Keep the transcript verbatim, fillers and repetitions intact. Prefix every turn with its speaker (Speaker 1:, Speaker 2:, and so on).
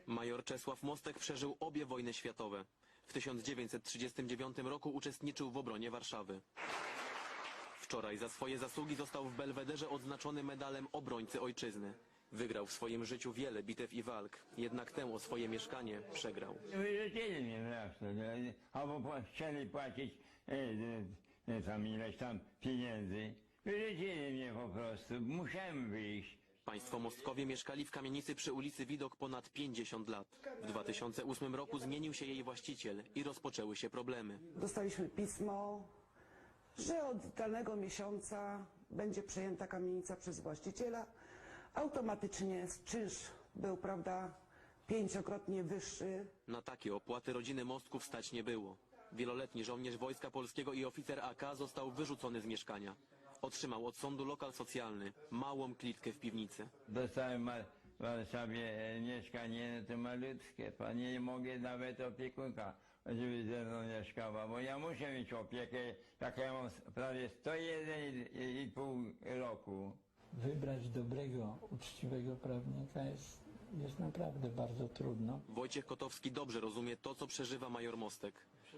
Speaker 1: Major Czesław Mostek przeżył obie wojny światowe. W tysiąc dziewięćset trzydziestym dziewiątym roku uczestniczył w obronie Warszawy. Wczoraj za swoje zasługi został w Belwederze odznaczony medalem obrońcy ojczyzny. Wygrał w swoim życiu wiele bitew i walk, jednak tę o swoje mieszkanie przegrał.
Speaker 2: Wyrzucili mnie wreszcie, albo chcieli płacić e, e, tam ileś tam pieniędzy. Wyrzucili mnie po prostu, musiałem wyjść.
Speaker 1: Państwo Mostkowie mieszkali w kamienicy przy ulicy Widok ponad pięćdziesiąt lat. W dwa tysiące ósmym roku zmienił się jej właściciel i rozpoczęły się problemy.
Speaker 3: Dostaliśmy pismo, że od danego miesiąca będzie przejęta kamienica przez właściciela. Automatycznie czynsz był, prawda, pięciokrotnie wyższy.
Speaker 1: Na takie opłaty rodziny Mostków stać nie było. Wieloletni żołnierz Wojska Polskiego i oficer A K został wyrzucony z mieszkania. Otrzymał od sądu lokal socjalny, małą klitkę w piwnicy.
Speaker 2: Dostałem w Warszawie e, mieszkanie to malutkie, to nie mogę nawet opiekunka, żeby ze mną mieszkała, bo ja muszę mieć opiekę, jak ja mam prawie sto jeden i pół roku.
Speaker 4: Wybrać dobrego, uczciwego prawnika jest, jest naprawdę bardzo trudno.
Speaker 1: Wojciech Kotowski dobrze rozumie to, co przeżywa major Mostek.